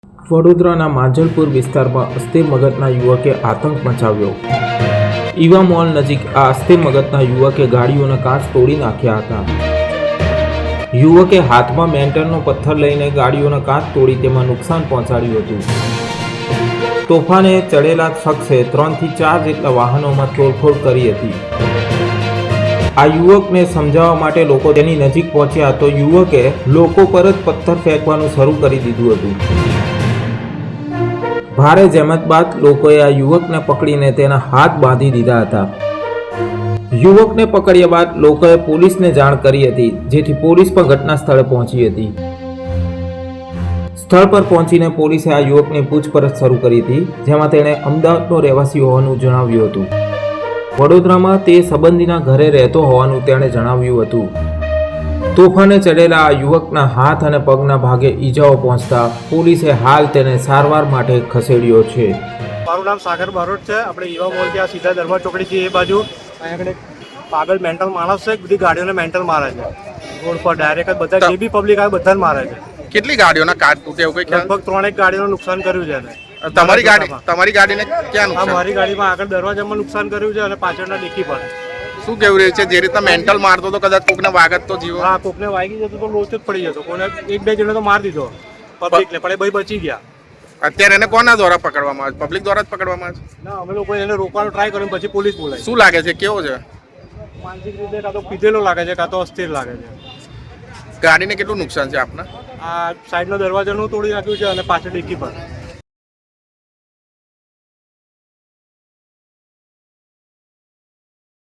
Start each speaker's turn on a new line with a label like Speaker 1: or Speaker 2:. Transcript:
Speaker 1: વડોદરાના માંજલપુર વિસ્તારમાં અસ્થિર મગજના યુવકે આતંક મચાવ્યો. ઈવા મોલ નજીક આ અસ્થિર મગજના યુવકે ગાડીઓના કાચ તોડી નાખ્યા હતા. યુવકે હાથમાં મેન્ટલનો પથ્થર લઈને ગાડીઓના કાચ તોડી તેમાં નુકસાન પહોંચાડ્યું હતું. તોફાને ચડેલા શખ્સે 3 થી 4 જેટલા વાહનોમાં તોડફોડ કરી હતી. આ યુવકને સમજાવવા માટે લોકો તેની નજીક પહોંચ્યા તો યુવકે લોકો પર જ પથ્થર ફેંકવાનું શરૂ કરી દીધું હતું. ભારે જહેમત બાદ લોકોએ આ યુવકને પકડીને તેના હાથ બાંધી દીધા હતા. યુવકને પકડ્યા બાદ લોકોએ પોલીસને જાણ કરી હતી, જેથી પોલીસ પણ ઘટના સ્થળે પહોંચી હતી. સ્થળ પર પહોંચીને પોલીસે આ યુવકની પૂછપરછ શરૂ કરી હતી, જેમાં તેણે અમદાવાદનો રહેવાસી હોવાનું જણાવ્યું હતું. વડોદરામાં તે સંબંધીના ઘરે રહેતો હોવાનું તેણે જણાવ્યું હતું. તોફાને ચડેલા આ યુવકના હાથ અને પગના ભાગે ઈજાઓ પહોંચતા પોલીસે હાલ તેને સારવાર માટે ખસેડ્યો છે.
Speaker 2: મારું નામ સાગર બારોટ છે. આપણે ઈવા મોલ ત્યાં સીધા દરબાર ચોકડીથી એ બાજુ અહીંયા આગળ પાગલ મેન્ટલ માણસ છે, બધી ગાડીઓને મેન્ટલ મારે છે. રોડ પર ડાયરેક્ટ બધા જે બી પબ્લિક આવે બધાને મારે છે.
Speaker 3: કેટલી ગાડીઓના કાચ તૂટે એવું કઈ
Speaker 2: લગભગ 3 ગાડીઓનું નુકસાન કર્યું છે એને.
Speaker 3: તમારી ગાડીને ક્યાં
Speaker 2: હા,
Speaker 3: નુકસાન?
Speaker 2: મારી ગાડીમાં આગળ દરવાજામાં નુકસાન કર્યું છે અને પાછળના ડિક્કી પર.
Speaker 3: શું કેવું રહ્યું છે? જે રીતના મેન્ટલ મારતો તો કદાચ કોકને વાગત તો જીવો.
Speaker 2: હા, કોકને વાગી જતો તો લોચ જ પડી જતો. કોને 1-2 જણે તો મારી દીધો પબ્લિકને, પણ એ ભાઈ બચી ગયા.
Speaker 3: અત્યારે એને કોના દ્વારા પકડવામાં આવે? પબ્લિક દ્વારા જ પકડવામાં આવે છે?
Speaker 2: ના, અમે લોકો એને રોકવાનો ટ્રાય કર્યો, પછી પોલીસ બોલાવી.
Speaker 3: શું લાગે છે, કેવો છે?
Speaker 2: માનસિક રીતે કાં તો પીધેલો લાગે છે, કાં તો અસ્થિર લાગે છે.
Speaker 3: ગાડીને કેટલું નુકસાન છે આપના?
Speaker 2: આ સાઈડનો દરવાજાનું તોડી નાખ્યું છે અને પાછળ ડિક્કી પર.